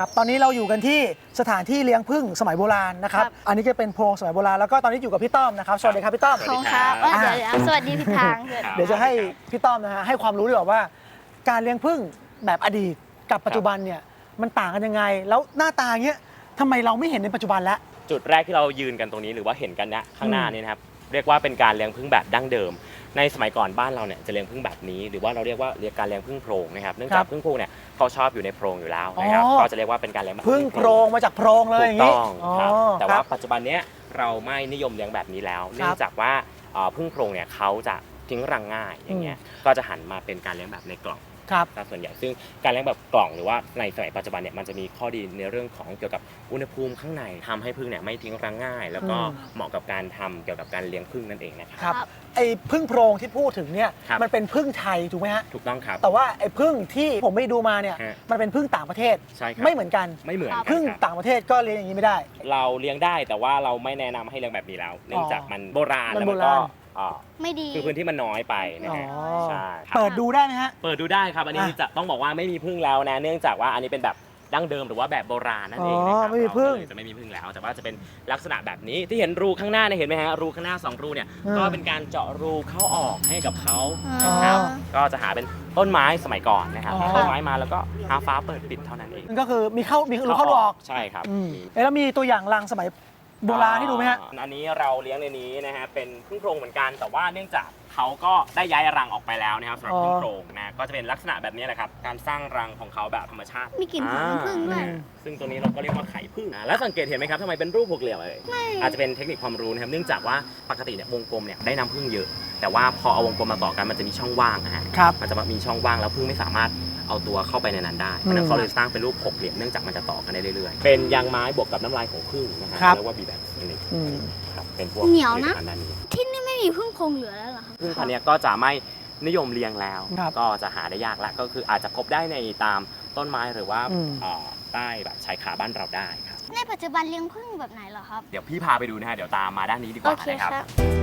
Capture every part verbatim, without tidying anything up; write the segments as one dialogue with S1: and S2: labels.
S1: ครับตอนนี้เราอยู่กันที่สถานที่เลี้ยงผึ้งสมัยโบราณนะครับอันนี้จะเป็นโพรงสมัยโบราณแล้วก็ตอนนี้อยู่กับพี่ต้อมนะครับสวัสดีครับพี่ต้อม
S2: ขอบคุณครับเอ้ยเดี๋ยวเดี๋ยวสวัสดีพี่ทาง
S1: เดี๋ยวจะให้พี่ต้อมนะฮะให้ความรู้ดีกว่าว่า การเลี้ยงผึ้งแบบอดีตกับปัจจุบันเนี่ยมันต่างกันยังไง แล้วหน้าตาเงี้ยทำไมเราไม่เห็นในปัจจุบันแล้ว
S3: จุดแรกที่เรายืนกันตรงนี้หรือว่าเห็นกันนะข้างหน้านี่นะครับเรียกว่าเป็นการเลี้ยงผึ้งแบบดั้งเดิมในสมัยก่อนบ้านเราเนี่ยจะเลี้ยงผึ้งแบบนี้หรือว่าเราเรียกว่าเรียกการเลี้ยงผึ้งโพรงนะครับเนื่องจากผึ้งโพรงเนี่ยเขาชอบอยู่ในโพรงอยู่แล้วนะครับก็จะเรียกว่าเป็นการเลี้ยงแบบ
S1: ผึ้งโพรงมาจากโพรงเลยอย่างนี้
S3: ถูกต้องครับแต่ว่าปัจจุบันนี้เราไม่นิยมเลี้ยงแบบนี้แล้วเนื่องจากว่าผึ้งโพรงเนี่ยเขาจะทิ้งรังง่ายอย่างเงี้ยก็จะหันมาเป็นการเลี้ยงแบบในกล่องส่วนใหญ่ซึ่งการเลี้ยงแบบกล่องหรือว่าในสมัยปัจจุบันเนี่ยมันจะมีข้อดีในเรื่องของเกี่ยวกับอุณหภูมิข้างในทำให้ผึ้งเนี่ยไม่ทิ้งรังง่าย แล้วก็เหมาะกับการทำเกี่ยวกับการเลี้ยงผึ้งนั่นเองนะครับ
S1: ไอ้ผึ้งโพรงที่พูดถึงเนี่ยมันเป็นผึ้งไทยถูกไหมฮะ
S3: ถูกต้องครับ
S1: แต่ว่าไอ้ผึ้งที่ผมไปดูมาเนี่ยมันเป็นผึ้งต่างประเทศไม่เหมือนกัน
S3: ไม่เหมือน
S1: ผึ้งต่างประเทศก็เลี้ยงอย่างนี้ไม่ได้
S3: เราเลี้ยงได้แต่ว่าเราไม่แนะนำให้เลี้ยงแบบนี้แล้วเนื่องจากมันโบราณแล้วมันก็
S2: ไม่ดี
S3: คือพื้นที่มันน้อยไปนะฮะ
S1: ใช่เปิดดูได้ไหมฮะ
S3: เปิดดูได้ครับอันนี้จะต้องบอกว่าไม่มีผึ้งแล้วนะเนื่องจากว่าอันนี้เป็นแบบดั้งเดิมหรือว่าแบบโบราณนั่นเองนะครับ
S1: ไม่มีผึ้ง
S3: จะไม่มีผึ้งแล้วแต่ว่าจะเป็นลักษณะแบบนี้ที่เห็นรูข้างหน้าเนี่ยเห็นไหมฮะรูข้างหน้าสองรูเนี่ยก็เป็นการเจาะรูเข้าออกให้กับเขานะครับก็จะหาเป็นต้นไม้สมัยก่อนนะครับต้นไม้มาแล้วก็หาฟ้าเปิดปิดเท่านั้นเอง
S1: ก็คือมีเข้ามีรูเข้าออก
S3: ใช่ครับ
S1: แล้วมีตัวอย่างรังสมัยโบราณที่ดูไหมฮะ
S3: อันนี้เราเลี้ยงในนี้นะฮะเป็นผึ้งโพรงเหมือนกันแต่ว่าเนื่องจากเขาก็ได้ย้ายรังออกไปแล้วนะครับสำหรับผึ้งโพรงนะก็จะเป็นลักษณะแบบนี้แหละครับการสร้างรังของเขาแบบธรรมชาติ
S2: มีกลิ่นหอมผึ้งด้วย
S3: ซึ่งตัวนี้เราก็เรียกว่าไข่ผึ้งแล้วสังเกตเห็นไหมครับทำไมเป็นรูปหกเหลี่ยมเลยอาจจะเป็นเทคนิคความรู้นะครับเนื่องจากว่าปกติเนี่ยวงกลมเนี่ยได้น้ำผึ้งเยอะแต่ว่าพอเอาวงกลมมาต่อกันมันจะมีช่องว่างนะฮะมันจะมีช่องว่างแล้วผึ้งไม่สามารถเอาตัวเข้าไปในนั้นได้เพราะนั้นเขาเลยสร้างเป็นรูปหกเหลี่ยมเนื่องจากมันจะต่อกันได้เรื่อยๆเป็นยางไม้บวกกับน้ำลายของผึ้งนะฮะเรียกว่าบีแบ็กนี่ครับเป็นพวก
S2: เหนียวนะที่นี่ไม่มีผึ้งโพรงเหลือแล้วเหรอครับ
S3: ผึ้งพันธุ์นี้ก็จะไม่นิยมเลี้ยงแล้วก็จะหาได้ยากละก็คืออาจจะพบได้ในตามต้นไม้หรือว่าใต้แบบชายคาบ้านเราได้ครับ
S2: ในปัจจุบันเลี้ยงผึ้งแบบไหนเหรอครับ
S3: เดี๋ยวพี่พาไปดูนะฮะเดี๋ยวตามมาด้านนี้ดีกว่านะครับ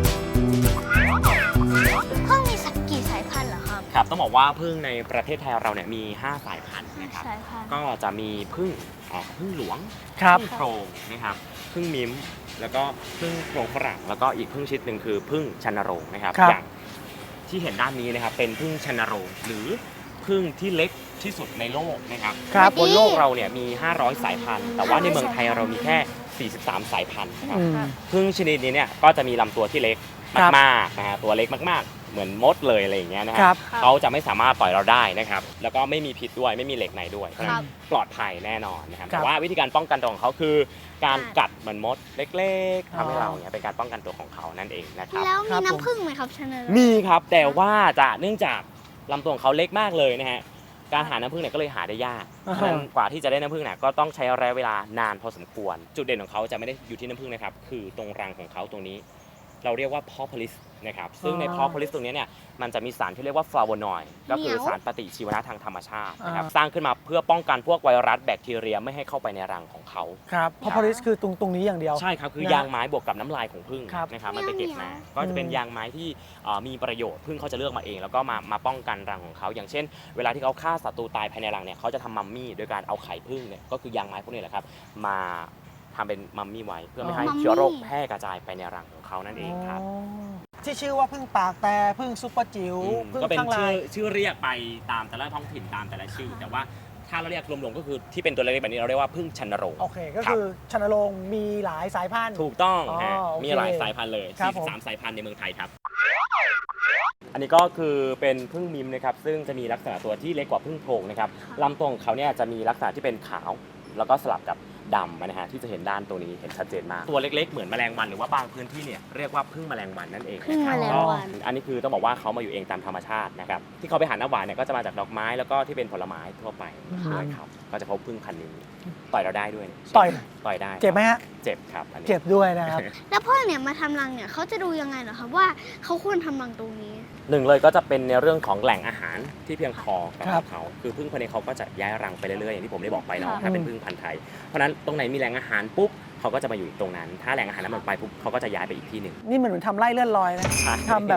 S2: ผึ้งมีสักกี่สายพันธุ์เหรอครับ
S3: ครับต้องบอกว่าผึ้งในประเทศไทยเราเนี่ยมีห้าสายพันธุ์นะครับก็จะมีผึ้งผึ้งหลวงผึ้งโพรงนะครับผึ้งมิ้มแล้วก็ผึ้งโพรงฝรั่งแล้วก็อีกผึ้งชนิดหนึ่งคือผึ้งชันโรงนะครับอย่างที่เห็นด้านนี้นะครับเป็นผึ้งชันโรงหรือผึ้งที่เล็กที่สุดในโลกนะครับบนโลกเราเนี่ยมีห้าร้อยสายพันธุ์แต่ว่าในเมืองไทยเรามีแค่สี่สิบสามสายพันธุ์นะครับผึ้งชนิดนี้เนี่ยก็จะมีลำตัวที่เล็กมากๆนะฮะตัวเล็กมากๆเหมือนมดเลยอะไรอย่างเงี้ยนะครับเขาจะไม่สามารถต่อยเราได้นะครับแล้วก็ไม่มีพิษด้วยไม่มีเหล็กในด้วยปลอดภัยแน่นอนนะครับแต่ว่าวิธีการป้องกันตัวของเขาคือการกัดเหมือนมดเล็กๆทำให้เราเนี่ยเป็นการป้องกันตัวของเขานั่นเองนะครับ
S2: แล้วมีน้ำผึ้งไหมครับชันโรง
S3: มีครับแต่ว่าจะเนื่องจากลำตัวของเขาเล็กมากเลยนะฮะการหาน้ำผึ้งเนี่ยก็เลยหาได้ยากเพราะฉะนั้นกว่าที่จะได้น้ำผึ้งเนี่ยก็ต้องใช้ระยะเวลานานพอสมควรจุดเด่นของเขาจะไม่ได้อยู่ที่น้ำผึ้งนะครับคือตรงรังของเขาตรงนี้เราเรียกว่าพอพลิสนะครับซึ่งในพอพลิสตรงนี้เนี่ยมันจะมีสารที่เรียกว่าฟลาโวนอยด์ก็คือสารปฏิชีวนะทางธรรมชาตินะครับสร้างขึ้นมาเพื่อป้องกันพวกไวรัสแบคทีเรียไม่ให้เข้าไปในรังของเขา
S1: ครับพอพลิสคือตรงตรงนี้อย่างเดียว
S3: ใช่ครับคือยางไม้บวกกับน้ำลายของผึ้งนะครับมันไปเก็บมาก็จะเป็นยางไม้ที่มีประโยชน์ผึ้งเขาจะเลือกมาเองแล้วก็มามาป้องกันรังของเขาอย่างเช่นเวลาที่เขาฆ่าศัตรูตายภายในรังเนี่ยเขาจะทำมัมมี่โดยการเอาไข่ผึ้งเนี่ยก็คือยางไม้พวกนี้แหละครับมาทำเป็นมัมมี่ไว้เพื่อไม่ให้เชื้อโรคแพร่กระจายไปในรังของเขานั่นเองครับ
S1: ที่ชื่อว่าผึ้งปากแต่ผึ้งซุปเปอร์จิ๋ว
S3: ก็เป็นชื่อชื่อเรียกไปตามแต่ละท้องถิ่นตามแต่ละชื่อแต่ว่าถ้าเราเรียกรวมๆก็คือที่เป็นตัวเล็กๆแบบนี้เราเรียกว่าผึ้งชันโรง
S1: โอเคก็คือชันโรงมีหลายสายพันธุ์
S3: ถูกต้องมีหลายสายพันธุ์เลยสี่สิบสามสายพันธุ์ในเมืองไทยครับอันนี้ก็คือเป็นผึ้งมิมนะครับซึ่งจะมีลักษณะตัวที่เล็กกว่าผึ้งโพรงนะครับลำตัวของเขาเนี่ยจะมีลักษณะที่เป็นขาวแล้วก็สลับกับดำนะฮะที่จะเห็นด้านตัวนี้เห็นชัดเจนมากตัวเล็กๆเหมือนแมลงวันหรือว่าบางพื้นที่เนี่ยเรียกว่าผึ้งแมลงวันนั่นเองนะครับอันนี้คือต้องบอกว่าเขามาอยู่เองตามธรรมชาตินะครับที่เขาไปหาน้ำหวานเนี่ยก็จะมาจากดอกไม้แล้วก็ที่เป็นผลไม้ทั่วไปด้วยครับก็จะพบผึ้งพันธุ์นี้ต่อยเราได้ด้วย
S1: ต่อย
S3: ต่อยได้
S1: เจ็บไหมฮะ
S3: เจ็บครับ
S1: เจ็บด้วยนะครับ
S2: แล้วพ่อเนี่ยมาทำรังเนี่ยเขาจะดูยังไงเหรอครับว่าเขาควรทำรังตรงนี้
S3: หนึ่งเลยก็จะเป็นในเรื่องของแหล่งอาหารที่เพียงพอกับเขาคือผึ้งพันธุ์นี้เขาก็จะย้ายรังไปเรื่อยๆอย่างที่ผมได้บอกไปเนาะถ้าเป็นผึ้งพันธุ์ไทยเพราะนั้นตรงไหนมีแหล่งอาหารปุ๊บเขาก็จะมาอยู่ตรงนั้นถ้าแหล่งอาหารนั้นหมดไปปุ๊บเขาก็จะย้ายไปอีกที่หนึ่ง
S1: นี่เหมือนทำไร่เลื่อนลอยนะทำแบบ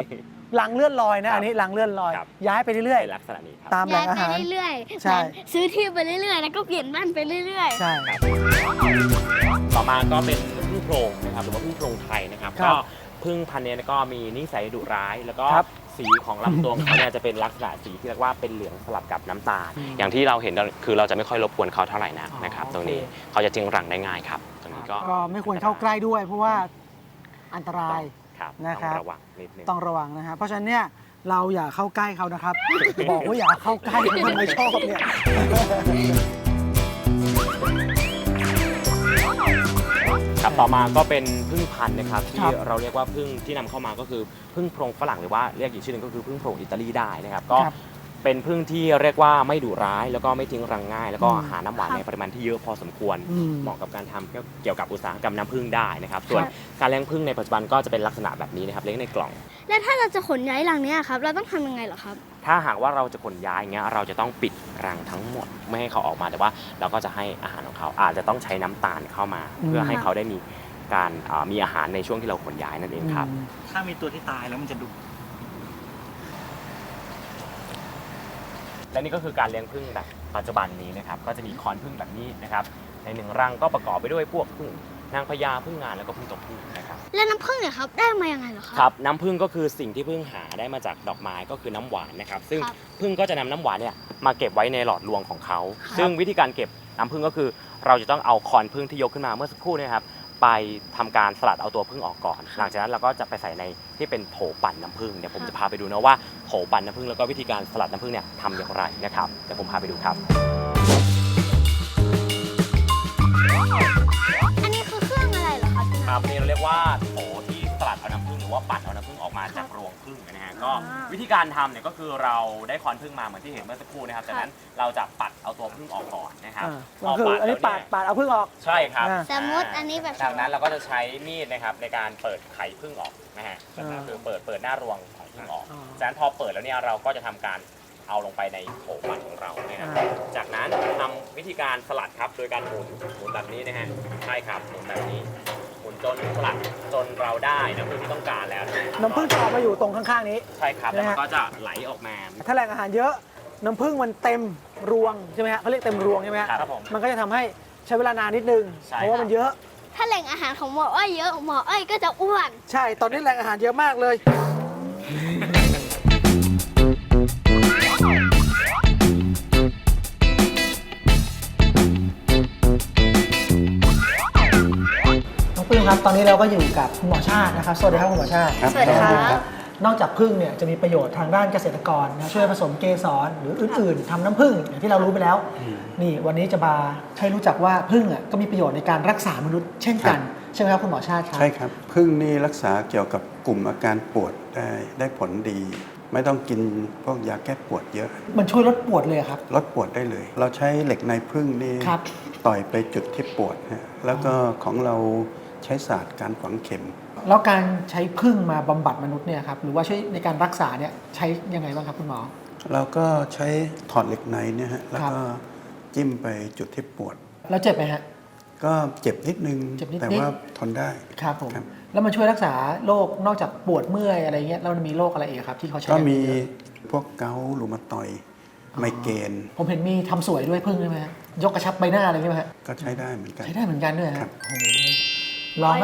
S1: รังเลื่อนลอยนะอันนี้รังเลื่อนลอย
S3: ครับ
S1: ย้ายไปเรื่อย
S3: เป็นลักษณะนี้ครับ
S1: ๆ ตามแหล่
S2: ย้าย
S1: งอา
S2: ไป
S1: หาร
S2: เรื่อยๆ
S1: ใช่
S2: เหมือนซื้อที่ไปเรื่อยๆ แล้วก็เปลี่ยนบ้านไปเรื่อย
S1: ใช่
S3: ครับต่อมาก็เป็นพึ่งโพรงนะครับหรือว่าพึ่งโพรงไทยนะครับ
S1: ครั
S3: ก็
S1: บ
S3: พึ่งพันธุ์เนี้ก็มีนิสัยดุร้าย แล้วก็
S1: ครับ
S3: สีของลำตัวของเขาเนี่ยจะเป็นลักษณะสีที่เรียกว่าเป็นเหลืองสลับกับน้ำตาล
S1: อืม
S3: อย่างที่เราเห็นคือเราจะไม่ค่อยรบกวนเขาเท่าไหร่นัก
S1: อ๋อ
S3: นะครับ
S1: โอเค
S3: ตรงนี้เขาจะจึงรังได้ง่ายครับตรงนี้ก็
S1: ก็ไม่ควรเข้าใกล้ด้วย เพราะว่าอันตราย
S3: ครับ
S1: นะครับ
S3: ต้องระวังนิดนึง
S1: ต้องระวังนะฮะเพราะฉะนั้นเนี่ยเราอย่าเข้าใกล้เขานะครับ บอกว่าอย่าเข้าใกล้ทำไมชอบเนี่ย
S3: ครับต่อมาก็เป็นพึ่งพันธุ์นะครับ
S1: ค
S3: ที่
S1: รับ
S3: เราเรียกว่าพึ่งที่นำเข้ามาก็คือพึ่งโพรงฝรั่งหรือว่าเรียกอีกชื่อหนึงก็คือพึ่งโพรงอิตาลีได้นะครับก็
S1: ครับ
S3: เป็นพึ่งที่เรียกว่าไม่ดุร้าย แล้วก็ไม่ทิ้งรังง่าย แล้วก็
S1: อืม
S3: หาน้ำหวานในปริมาณที่เยอะพอสมควร
S1: อืม
S3: เหมาะกับการทำเกี่ยวกับอุตสาหกรรมน้ำผึ้งได้นะครับส่วน
S2: ครับ
S3: การเลี้ยงผึ้งในปัจจุบันก็จะเป็นลักษณะแบบนี้นะครับเลี้ยงในกล่อง
S2: ๆ แล้วถ้าเราจะขนย้ายรังเนี้ยครับ เราต้องทำยังไงเหรอครับ
S3: ถ้าหากว่าเราจะขนย้ายอย่างเงี้ยเราจะต้องปิดรังทั้งหมดไม่ให้เขาออกมาแต่ว่าเราก็จะให้อาหารของเขาอาจจะต้องใช้น้ำตาลเข้ามา
S1: อืม
S3: เพื่อให้เขาได้มีการอ่ามีอาหารในช่วงที่เราขนย้ายนั่นเองครับ
S1: อืม
S4: ถ้ามีตัวที่ตายแล้วมันจะดุ
S3: และนี่ก็คือการเลี้ยงผึ้งแบบปัจจุบันนี้นะครับก็จะมีคอนผึ้งแบบนี้นะครับในหนึ่งรังก็ประกอบไปด้วยพวกผึ้งนางพญาผึ้งงานแล้วก็ผึ้งตกผึ้งนะครับ
S2: แล้วน้ำผึ้งเนี่ยครับได้มายังไงเหรอครับ
S3: ครับน้ำผึ้งก็คือสิ่งที่ผึ้งหาได้มาจากดอกไม้ก็คือน้ำหวานนะครับซึ่ง
S2: ครับ
S3: ผึ้งก็จะนำน้ำหวานเนี่ยมาเก็บไว้ในหลอดรวงของเขา
S2: ครับ
S3: ซึ่งวิธีการเก็บน้ำผึ้งก็คือ เราจะต้องเอาคอนผึ้งที่ยกขึ้นมาเมื่อสักครู่เนยครับไปทำการสลัดเอาตัวผึ้งออกก่อน หลังจากนั้นเราก็จะไปใส่ในที่เป็นโถปั่นน้ำผึ้งเดี๋ยวผมจะพาไปดูนะว่าโถปั่นน้ำผึ้งแล้วก็วิธีการสลัดน้ำผึ้งเนี่ยทำอย่างไรนะครับเดี๋ยวผมพาไปดูครับ
S2: อันนี้คือเครื่องอะไรเหรอครับพี่
S3: ค
S2: น้
S3: รั
S2: อบ ง
S3: นี่เราเรียกว่าโถที่สลัดเอาน้ำผึ้งหรือว่าปั่นเอาน้ำผึ้งออกมาจากรวงผึ้งนะฮะก็
S2: อ่า
S3: วิธีการทำเนี่ยก็คือเราได้คอนผึ้งมาเหมือนที่เห็นเมื่อสักครู่นะครับจากนั้นเราจะปัดเอาตัวผึ้งออกก่อนนะครับ
S1: อ่าก็คืออันนี้ปาดปาดเอาพึ่งออก
S3: ใช่ครับ
S1: อ่า
S2: สมมติอันนี้แบบ
S3: จากนั้นเราก็จะใช้มีดนะครับในการเปิดไข่ผึ้งออกนะฮะ
S1: อ่า
S3: ก็คือเปิดเปิดหน้ารวงของผึ้งออก
S1: อ๋อ
S3: จากนั้นพอเปิดแล้วเนี่ยเราก็จะทำการเอาลงไปในโถปั่นของเรานะครับ
S1: อ่า
S3: จากนั้นทำวิธีการสลัดครับโดยการหมุนหมุนแบบนี้นะฮะใช่ครับหมุนแบบนี้หมุนจนสลัดจนเราได้น้ำผึ้งที่ต้องการแล้วะ
S1: น้ำผึ้งจะออกมาอยู่ตรงข้างๆนี้
S3: ใช่ครับแล้ว
S1: นะ
S3: มั
S1: ฮะ
S3: นก็จะไหลออกมา
S1: ถ้าแหล่งอาหารเยอะน้ำผึ้งมันเต็มรวงใช่ไหมฮะเขาเรียกเต็มรวงใช่ไหมฮะ
S3: ครับผม
S1: มันก็จะทำให้ใช้เวลานานนิดนึง
S3: ใช่
S1: เพราะว่ามันเยอะ
S2: ถ้าแหล่งอาหารของหมออ้อยเยอะหมออ้อยก็จะอ้วน
S1: ใช่ตอนนี้แหล่งอาหารเยอะมากเลย น้องปลื้มครับ ตอนนี้เราก็อยู่กับคุณหมอชาตินะครับ สวัสดีครับคุณหมอชาติ
S5: ครับ
S2: สวัสดีครับ
S5: ครับ
S1: นอกจากผึ้งเนี่ยจะมีประโยชน์ทางด้านเกษตรกรนะช่วยผสมเกสรหรืออื่นๆทำน้ำผึ้งอย่างที่เรารู้ไปแล้ว นี่วันนี้จะมาให้รู้จักว่าผึ้งอ่ะก็มีประโยชน์ในการรักษามนุษย์เช่นกัน ใช่ไหมครับคุณหมอชาติครับ
S5: ใช่ครับพึ่งนี่รักษาเกี่ยวกับกลุ่มอาการปวดได้ได้ผลดี ไม่ต้องกินพวกยาแก้ปวดเยอะ
S1: มันช่วยลดปวดเลยอะครับ
S5: ลดปวดได้เลย เราใช้เหล็กในพึ่งนี่
S1: ครับ
S5: ต่อยไปจุดที่ปวดฮะแล้วก็ของเราใช้ศาสตร์การฝังเข็ม
S1: แล้วการใช้ผึ้งมาบำบัดมนุษย์เนี่ยครับหรือว่าช่วยในการรักษาเนี่ยใช้ยังไงบ้างครับคุณหมอ
S5: เราก็ใช้ถอดเหล็กในเนี่ยฮะแล้ว
S1: ครับ
S5: ก็จิ้มไปจุดที่ปวด
S1: แล้วเจ็บไหมฮะ
S5: ก็เจ็บนิดนึง
S1: เจ็บนิดๆ
S5: แต่ว่าทนได้
S1: ครับผม
S5: ครับ
S1: แล้วมันช่วยรักษาโรคนอกจากปวดเมื่อยอะไรเงี้ยแล้วมันมีโรคอะไรอีกครับที่เขาใช้
S5: ก็มี
S1: เยอะ
S5: พวกเกาต์รูมาตอยด์
S1: อ๋อ
S5: ไมเกรน
S1: ผมเห็นมีทำสวยด้วยพึ่งใช่ไหมฮะยกกระชับใบหน้าอะไรใช่ไหมฮะ
S5: ก็ใช้ได้เหมือนกัน
S1: ใช้ได้เหมือนกันด้วย
S5: ครั
S1: ฮะ
S5: บ
S1: โอ้โหลองไหม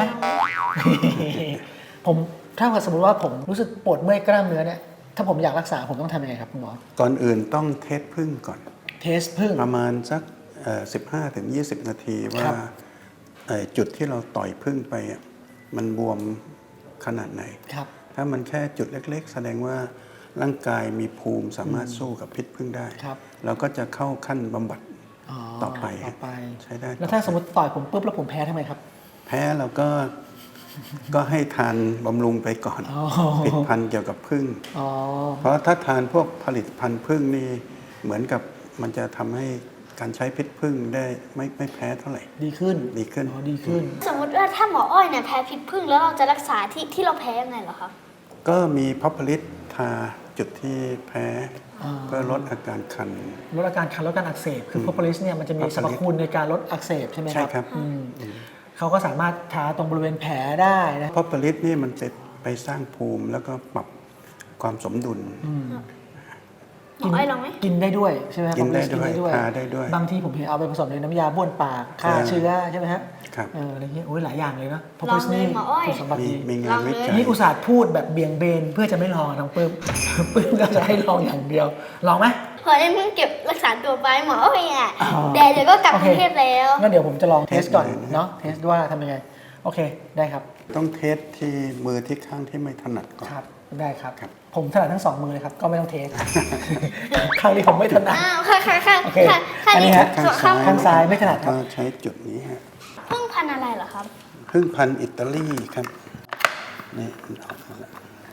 S1: ผมถ้าเกิดสมมติว่าผมรู้สึกปวดเมื่อยกล้ามเนื้อเนี่ยถ้าผมอยากรักษาผมต้องทำยังไงครับคุณหมอ
S5: ก่อนอื่นต้องเทสพึ่งก่อน
S1: เทสพึ่ง
S5: ประมาณสักเอ่อสิบห้าถึงยี่สิบ นาทีว่า
S1: ครับ
S5: เอ่อจุดที่เราต่อยพึ่งไปอ่ะมันบวมขนาดไหน
S1: ครับ
S5: ถ้ามันแค่จุดเล็กๆ แสดงว่าร่างกายมีภูมิสามารถสู้กับพิษพึ่งได้
S1: ครับ
S5: เราก็จะเข้าขั้นบำบัด ต่อไป
S1: ต่อไป
S5: ใช้ได้
S1: แล้วถ้าสมมติต่อยผมปุ๊บแล้วผมแพ้ทำไมครับ
S5: แพ้เราก็ก็ให้ทานบำรุงไปก่อน
S1: อ๋อ
S5: ผลิตภัณฑ์เกี่ยวกับพึ่ง
S1: อ๋อ
S5: เพราะถ้าทานพวกผลิตภัณฑ์พึ่งนี่เหมือนกับมันจะทำให้การใช้พิษพึ่งได้ไม่ไม่แพ้เท่าไหร่
S1: ดีขึ้น
S5: ดีขึ้น
S1: อ๋อดีขึ้น
S2: สมมติว่าถ้าหมออ้อยเนี่ยแพ้พิษผึ้งแล้วเราจะรักษาที่ที่เราแพ้ยังไงเหรอครับ
S5: ก็มีพอพลิตทาจุดที่แพ้
S1: อ่า
S5: เพื่อลดอาการคัน
S1: ลดอาการคันลดการอักเสบคือ
S5: ม
S1: โพรโพลิสเนี่ยมันจะมี
S5: Propolis
S1: สรรพคุณในการลดอักเสบใช่ไหมค
S5: ใช่
S1: รับ
S5: ครับ
S1: อืมเขาก็สามารถทาตรงบริเวณแผลได้นะ
S5: พอพลิตนี่มันจะไปสร้างภูมิแล้วก็ปรับความสมดุล
S1: อืม
S2: หมออ้อยลองไหม
S1: กินได้ด้วยใช่ไหมครับ
S5: กินได้
S1: กินได้
S5: ด้
S1: ด้
S5: ว
S1: วย ย
S5: ทาได้ด้วย
S1: บางทีผมเห็นเอาไปผสมในน้ำยาบ้วนปากฆ่า
S5: ใช่
S1: เชื้อใช่ไหมฮะ
S5: ครับ
S1: เอออะไรเงี้ยโอ้ยหลายอย่างเลยนะเพราะ
S2: ลอง
S1: พ
S2: เลย
S1: นี่
S2: หมออ้อย
S1: คุณสมบัติ
S5: มี
S1: ดี
S5: มีงานวิจัย
S1: นี่อุตส่าห์พูดแบบเบี่ยงเบนเพื่อจะไม่ลองน้องปื้ม ปื้มก็จะให้ลองอย่างเดียวลองไหม
S2: พอได้เพิ่งเก็บรักษาตัวไปหมออ้อยอ่ะ
S1: อ๋อ
S2: เดี๋ยวเดี๋ยวก็กลับ
S1: โอก เค
S2: รุงเทพแล้ว
S1: งั้นเดี๋ยวผมจะลองเทสก่อน
S5: เทสเลยนะ
S1: เนาะเทสว่าทำยังไงโอเคได้ครับ
S5: ต้องเทสที่มือที่ข้างที่ไม่ถนัดก่อน
S1: ครับได้ครับ
S5: ครับ
S1: ผมถนัดทั้งสองมือเลยครับก็ไม่ต้องเทส ข้างนี้ผมไม่ถนัด
S2: อ้าวค่ะค่ะค่ะ
S1: โอเค
S2: ค่ะค่ะ
S1: อันนี้
S2: นี่
S1: ฮะ
S2: ส่วนข้าง
S1: ข้างซ้ายไม่ถนัดครับ
S5: ก็ใช้จุดนี้ฮะ
S2: เพิ่งพันธุ์อะไรเหรอครับ
S5: พึ่งพันธุ์อิตาลีครับนี่มันออกมาแล้ว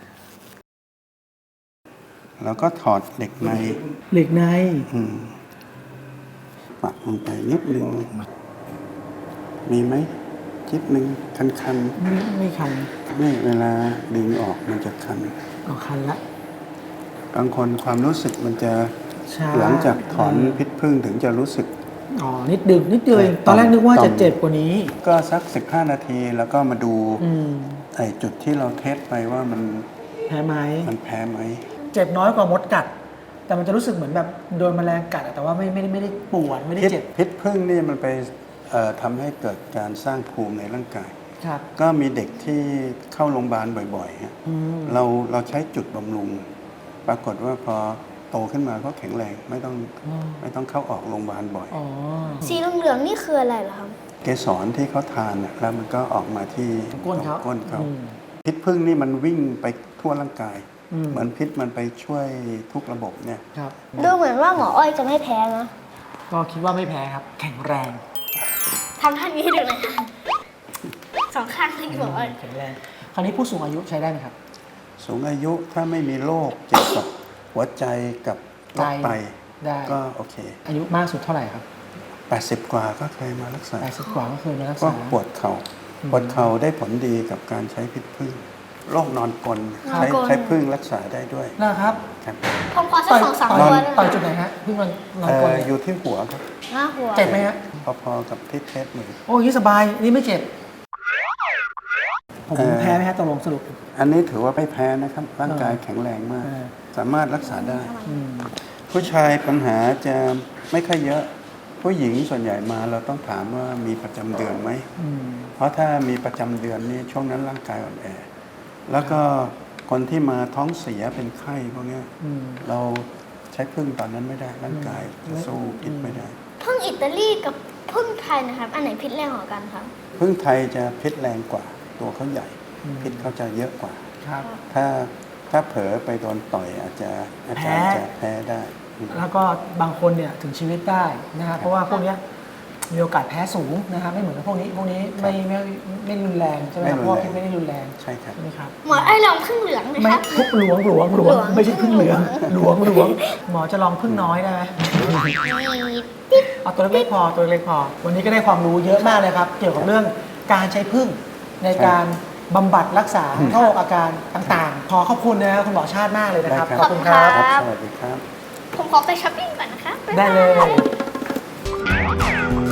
S5: แล้วก็ถอดเหล็กใน
S1: เหล็กใน
S5: อืมปักลงไปนิดนึงมีไหมจิบหนึ่งคันคัน
S1: ไม่ไม่คัน
S5: ๆนี่เวลาดึงออกมันจะคัน
S1: ออกคันละ
S5: บางคนความรู้สึกมันจะ
S1: ช้า
S5: หลังจากถอนพิษพึ่งถึงจะรู้สึก
S1: อ๋อนิดดึงนิดเดียวเองตอนแรกนึกว่าจะเจ็บกว่านี้
S5: ก็สักสิบห้านาทีแล้วก็มาดู
S1: อืม
S5: ไอ้จุดที่เราเทสไปว่ามัน
S1: แพ้ไหม
S5: มันแพ้ไหม
S1: เจ็บน้อยกว่ามดกัด แต่มันจะรู้สึกเหมือนแบบโดนแมลงกัดอะแต่ว่าไม่ไม่ได้ไม่ได้ปวดไม่ได้
S5: พิษ
S1: เจ็บ
S5: พิษพึ่งนี่มันไปเอ่อทำให้เกิดการสร้างภูมิในร่างกาย
S1: ครับ
S5: ก็มีเด็กที่เข้าโรงพยาบาลบ่อยๆฮะ
S1: อืม
S5: เราเราใช้จุดบำรุง ปรากฏว่าพอโตขึ้นมาก็แข็งแรงไม่ต้อง
S1: อ๋อ
S5: ไม่ต้องเข้าออกโรงพยาบาลบ่อย
S1: อ๋อ
S2: สีเหลืองๆนี่คืออะไรเหรอครับ
S5: เกสรที่เขาทานน่ะแล้วมันก็ออกมาที่
S1: ก้นเขา
S5: ก้นเขา
S1: อืม
S5: พิษพึ่งนี่มันวิ่งไปทั่วร่างกาย
S1: อืม
S5: เหมือนพิษมันไปช่วยทุกระบบเนี่ย
S1: ครับ
S2: ดูเหมือนว่าหมออ้อยจะไม่แพ้นะ
S1: ก็คิดว่าไม่แพ้ครับ แข็งแรง
S2: ทำท่านี้ให้ดูหน่อยค่ะสองข้างให้หมออ้อย
S1: แข็งแรงคราวนี้ผู้สูงอายุใช้ได้ไหมครับ
S5: สูงอายุถ้าไม่มีโรคเกี่ยวกับหัวใจกับโรคไต
S1: ได้
S5: ก็โอเค
S1: อายุมากสุดเท่าไหร่ครับ
S5: แปดสิบ กว่าก็เคยมารักษา
S1: แปดสิบกว่าก็เคยมารัก
S5: ก็
S1: ษา
S5: ปวดเขา่า
S1: อืม
S5: ปวดเข่าได้ผลดีกับการใช้พิษพึ่งโรคนอนกลน
S2: นอน
S5: ใช้
S2: กลน
S5: ใช้พึ่งรักษาได้ด้วย
S1: นะครับ
S5: ครับ
S2: ผมขอสักสองสาม
S1: ต่
S2: ตั
S1: อ
S2: วย ได้ไหม
S1: ต่อยจุดไหนฮะเพิ่งมันนอน
S5: เอ่
S1: กล
S5: ออยู่ที่หัวครับ
S2: หน้าหัว
S1: เจ็บไหมฮะ
S5: พอๆกับที่เทสมือ
S1: โอ้ยสบายนี่ไม่เจ็บ ผม
S5: เอ่อ
S1: แพ้ไหมฮะตกลงสรุป
S5: อันนี้ถือว่าไม่แพ้นะครับ ร่างกายแข็งแรงมาก
S1: เออ
S5: สามารถรักษาได้
S1: อืม
S5: ผู้ชายปัญหาจะไม่ค่อยเยอะ ผู้หญิงส่วนใหญ่มาเราต้องถามว่ามีประจำเดือนไหม
S1: อืม
S5: เพราะถ้ามีประจำเดือนนี่ช่วงนั้นร่างกายอ่อนแอ แล้วก็คนที่มาท้องเสียเป็นไข้พวกเนี้ย
S1: อืม
S5: เราใช้พึ่งตอนนั้นไม่ได้ร่างกายจะสู้พิษไม่ได้
S2: พึ่งอิตาลีกับพึ่งไทยนะครับ อันไหนพิษแรงกว่ากันครับ
S5: พึ่งไทยจะพิษแรงกว่า ตัวเขาใหญ่
S1: อืม
S5: พิษเขาจะเยอะกว่า
S1: ครับ
S5: ถ้าถ้าเผลอไปโดนต่อยอาจจะอาจจะ
S1: แพ้
S5: จะแพ้ได้อืม
S1: แล้วก็บางคนเนี่ยถึงชีวิตได้นะฮะเพราะว่าพวกเนี้ยมีโอกาสแพ้สูงนะครับไม่เหมือนกับพวกนี้พวกนี้ไม่ไม่ไม่รุนแรงใช่ไหมครับเพราะว่าพิษไม่ได้รุนแรง
S5: ใช่ครับ
S1: ใช่ไหมครับ
S2: หมออ้อยลองพึ่งเหลืองไหม
S1: ไม่
S2: ครับ
S1: ทุกหลวงหลวงหลวง
S2: หลวง
S1: ไม่ใช่พึ่งเหลืองหลวงหลวงหมอจะลองพึ่งน้อยได้ไหม เอาตัวเล็กๆพอตัวเล็กๆพอ วันนี้ก็ได้ความรู้เยอะมากเลยครับ เกี่ยวกับเรื่องการใช้พึ่งในการบำบัดรักษาโรคอาการต่างๆ ขอขอบคุณนะครับคุณหมอชาติมากเลยนะครับ
S5: ได้
S1: ขอบคุณครับ
S5: ครับ สวัสดีครับ
S2: ผมขอไปช้อปปิ้งก่อนนะคะบ๊าย
S1: ได้
S2: บา
S1: เลย
S2: ย